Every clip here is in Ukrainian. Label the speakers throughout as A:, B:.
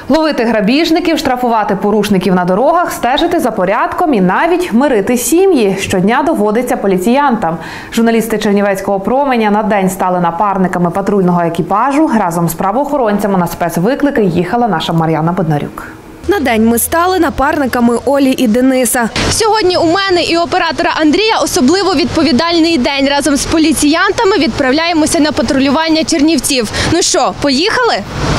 A: Ловити грабіжників, штрафувати порушників на дорогах, стежити за порядком і навіть мирити сім'ї щодня доводиться поліціянтам. Журналісти Чернівецького променя на день стали напарниками патрульного екіпажу. Разом з правоохоронцями на спецвиклики їхала наша Мар'яна Боднарюк.
B: На день ми стали напарниками Олі і Дениса. Сьогодні у мене і оператора Андрія особливо відповідальний день. Разом з поліціянтами відправляємося на патрулювання Чернівців. Ну що, поїхали?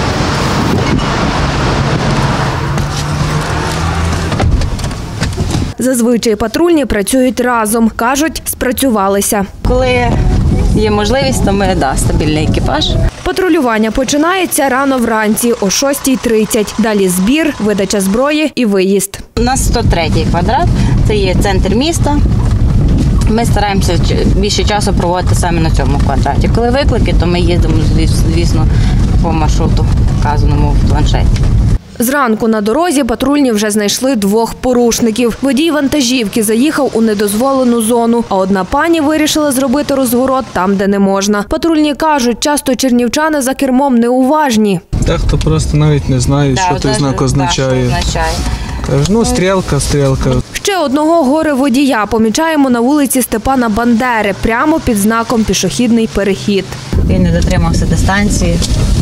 B: Зазвичай патрульні працюють разом. Кажуть, спрацювалися.
C: Коли є можливість, то ми стабільний екіпаж.
B: Патрулювання починається рано вранці о 6:30. Далі збір, видача зброї і виїзд.
C: У нас 103-й квадрат, це є центр міста. Ми стараємося більше часу проводити саме на цьому квадраті. Коли виклики, то ми їздимо, звісно, по маршруту, вказаному в планшеті.
B: Зранку на дорозі патрульні вже знайшли 2 порушників. Водій вантажівки заїхав у недозволену зону, а одна пані вирішила зробити розворот там, де не можна. Патрульні кажуть, часто чернівчани за кермом неуважні.
D: Дехто просто навіть не знає, що той знак означає. Кажуть, ну, стрілка.
B: Ще одного горе-водія помічаємо на вулиці Степана Бандери, прямо під знаком «Пішохідний перехід».
C: Він не дотримався дистанції.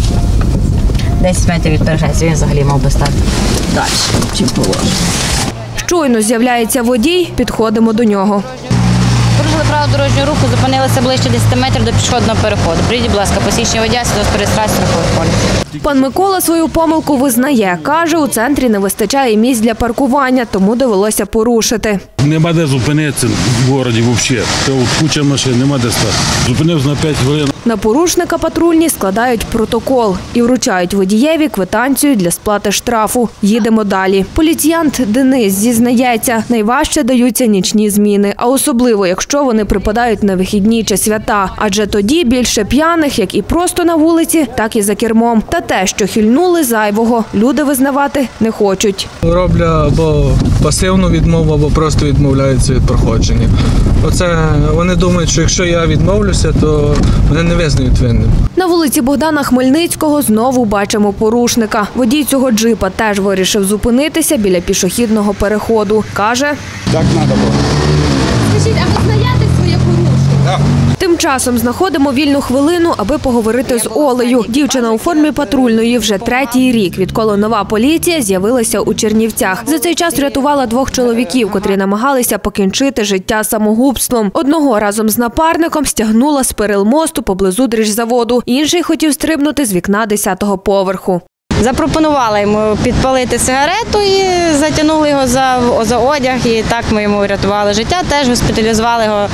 C: 10 метрів від перехрестя, він взагалі мав би стати далі, чим положено.
B: Щойно з'являється водій, підходимо до нього.
C: Порушили правила дорожнього руху, зупинилися ближче 10 метрів до пішохідного переходу. Прийдіть, будь ласка, посвідчення водія, свідоцтво реєстрації страхових полісів.
B: Пан Микола свою помилку визнає. Каже, у центрі не вистачає місць для паркування, тому довелося порушити.
E: Нема де зупинитися в місті взагалі. Куча машин, нема де стати. Зупинився на 5 хвилин.
B: На порушника патрульні складають протокол і вручають водієві квитанцію для сплати штрафу. Їдемо далі. Поліціянт Денис зізнається, найважче даються нічні зміни, а особливо, якщо вони припадають на вихідні чи свята. Адже тоді більше п'яних, як і просто на вулиці, так і за кермом. Та те, що хильнули зайвого, люди визнавати не хочуть.
D: Роблять або пасивну відмову, або просто відмовляються від проходження. Оце вони думають, що якщо я відмовлюся, то вони не визнають винним.
B: На вулиці Богдана Хмельницького знову бачимо порушника. Водій цього джипа теж вирішив зупинитися біля пішохідного переходу. Каже,
E: Так треба було.
B: скажіть, а ви знаєте своє порушення? Так. Тим часом знаходимо вільну хвилину, аби поговорити з Олею. Дівчина у формі патрульної вже 3-й рік, відколи нова поліція з'явилася у Чернівцях. За цей час врятувала 2 чоловіків, котрі намагалися покінчити життя самогубством. Одного разом з напарником стягнула з перил мосту поблизу дріжзаводу. Інший хотів стрибнути з вікна 10-го поверху.
C: Запропонувала йому підпалити сигарету і затягнули його за одяг. І так ми йому врятували життя. Теж госпіталізували його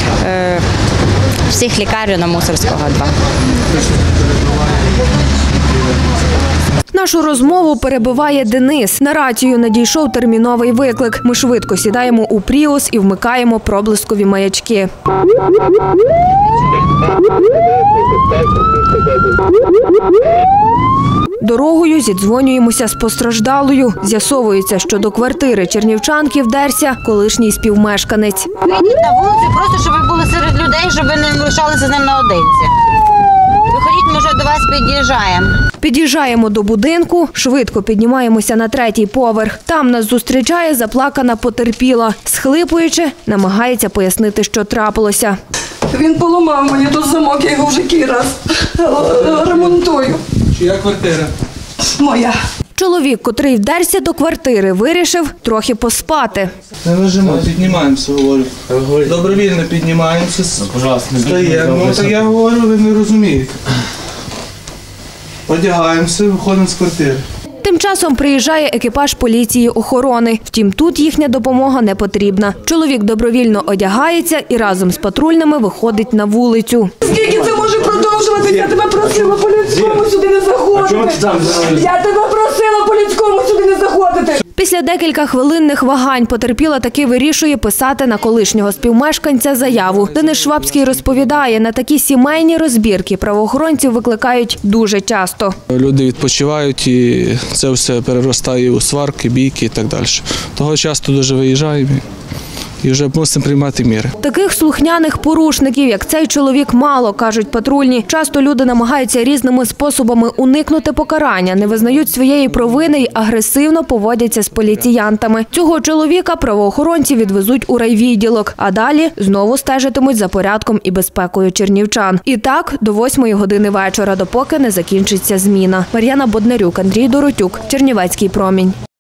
C: в психлікарню на Мусорського 2.
B: Нашу розмову перебиває Денис. На рацію надійшов терміновий виклик. Ми швидко сідаємо у Пріус і вмикаємо проблискові маячки. Дорогою зідзвонюємося з постраждалою. З'ясовується, що до квартири чернівчанки вдерся колишній співмешканець.
C: Вийдіть на вулицю просто, щоб ви були серед людей, щоб ви не лишалися з ним наодинці. Виходіть, ми вже до вас під'їжджаємо.
B: Під'їжджаємо до будинку, швидко піднімаємося на 3-й поверх. Там нас зустрічає заплакана потерпіла. Схлипуючи, намагається пояснити, що трапилося.
F: Він поламав мені тут замок, я його вже який раз ремонтую.
D: Чия квартира?
F: Моя.
B: Чоловік, котрий вдерся до квартири, вирішив трохи поспати.
D: Не вижимай, піднімаємося, говорю. Добровільно піднімаємося. Стаємо. Так я говорю, ви не розумієте. Одягаємося, виходимо з квартири.
B: Тим часом приїжджає екіпаж поліції охорони. Втім, тут їхня допомога не потрібна. Чоловік добровільно одягається і разом з патрульними виходить на вулицю.
F: Скільки це може продовжуватися? Я тебе просила по-людському сюди не заходити. Я тебе просила по-людському сюди не заходити.
B: Після декілька хвилинних вагань потерпіла таки вирішує писати на колишнього співмешканця заяву. Денис Швабський розповідає, на такі сімейні розбірки правоохоронців викликають дуже часто.
D: Люди відпочивають і це все переростає у сварки, бійки і так далі. Того часто дуже виїжджаємо. і вже мусимо приймати міри.
B: Таких слухняних порушників, як цей чоловік, мало, кажуть патрульні. Часто люди намагаються різними способами уникнути покарання, не визнають своєї провини й агресивно поводяться з поліціянтами. Цього чоловіка правоохоронці відвезуть у райвідділок, а далі знову стежитимуть за порядком і безпекою чернівчан. І так до 8 години вечора, допоки не закінчиться зміна. Мар'яна Боднарюк, Андрій Доротюк, Чернівецький промінь.